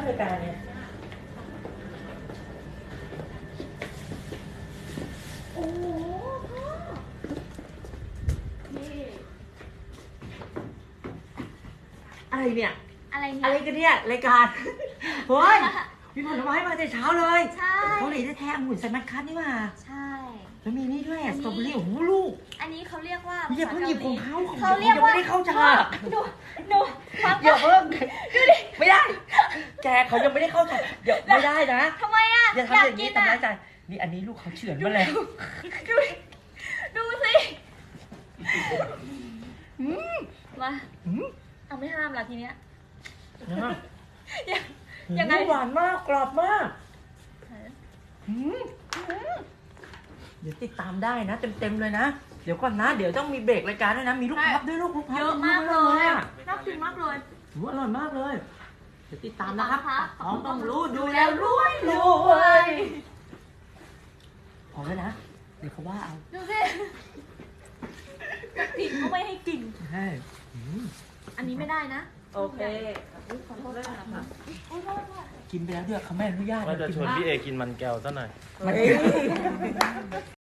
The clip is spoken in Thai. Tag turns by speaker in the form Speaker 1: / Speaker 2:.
Speaker 1: รายการเนี่ย
Speaker 2: โอ้โหพ่อนี่
Speaker 1: อะไรเนี่ย
Speaker 2: อะไรเนี่
Speaker 1: อะไร
Speaker 2: ย
Speaker 1: กันเนี่ยรายการเฮ้ยมีผลไม้มาแต่เช้าเลย
Speaker 2: ใช่
Speaker 1: เกาหลีแท้ๆองุ่นไซมัสคัทนี่มา
Speaker 2: ใช่
Speaker 1: แล้วมีนี่ด้วย
Speaker 2: อันนี้
Speaker 1: สตรอเบอรี่โอ้โหลูก
Speaker 2: อันนี้เขาเรียกว่า
Speaker 1: อย่าเพิ่งหยิบของเขา
Speaker 2: เขาเรียกว่า
Speaker 1: ยังไม่ได้เข้าฉาก
Speaker 2: หนูฟัง
Speaker 1: อย่าเพิ่งไม่ได้ แกเขายังไม่ได้เข้าฉากเดี๋ยวไม่ได้นะ
Speaker 2: ทำไมอ่ะ
Speaker 1: อย่าทำอย่างนี้ทำร้ายใจนี่อันนี้ลูกเขาเฉือนมาแล้ว
Speaker 2: ดูดิดูสิมาเอาไม่ห้ามละทีเนี้ยยังไง
Speaker 1: หวานมากกรอบมากเดี๋ยวติดตามได้นะเต็มๆเลยนะเดี๋ยวก่อนนะเดี๋ยวต้องมีเบรกรายการด้วยนะมีลูกพับด้วยลูกพับ
Speaker 2: เยอะมากเลยอะ
Speaker 1: อะ
Speaker 2: น่ากินมากเลย
Speaker 1: อร่อยมากเลยเดี๋ยวติดตามนะครับ
Speaker 2: ติดตามนะคะ
Speaker 1: ท้องต้องรู้ดูแล้วรวยพอแล้วนะเดี๋ยวเขาว่าเอา
Speaker 2: ดูสิกินเขาไม่ให้กิน
Speaker 1: ใช่
Speaker 2: อันนี้ไม่ได้นะ
Speaker 3: โอเค
Speaker 2: ขอโทษด้วยนะคะโอ้ยโทษ
Speaker 1: กินไปแล้วด้วยเขาไม่อนุญาต
Speaker 3: ว่าจะชวน
Speaker 1: กิน
Speaker 3: พี่เอกินมันแก้วซะหน่อย
Speaker 1: มัน